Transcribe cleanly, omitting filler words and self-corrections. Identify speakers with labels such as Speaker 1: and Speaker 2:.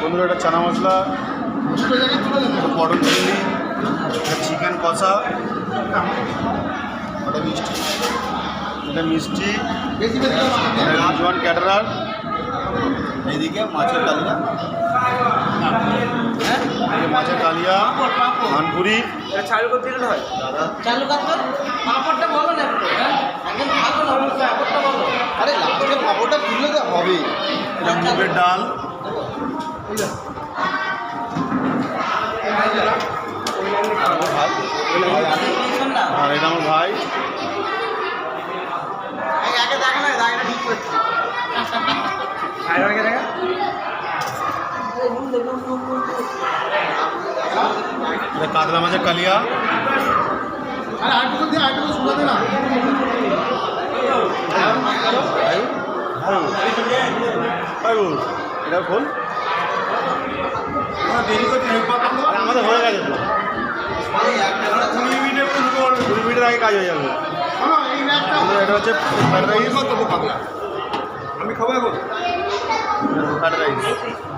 Speaker 1: বন্ধুরা এটা চানা মশলা, পটল চিংড়ি, চিকেন কষা, এটা মিষ্টি, জোয়ান ক্যাটারার, এইদিকে মাছের কালিয়া, মাছের কালিয়া, ধানপুরি।
Speaker 2: চালু করতে গেলে হয় চালু করতে পাঁপড়টা বলো না একটু। একদম ভালো না পাঁপড়টা বলো।
Speaker 1: আরে লাস্টে পাঁপড়টা তুললে তো হবে। মুগের ডাল, আর এটা আমার ভাই। এটা কাতলা মাছের কালিয়া, এটা খোল। আমাদের হয়ে গেছে তো, 20 মিনিটের আগে কাজ হয়ে যাবে। এটা হচ্ছে ফ্রাইড রাইস,
Speaker 3: আমি খাবো এখন
Speaker 1: ফ্রাইড রাইস।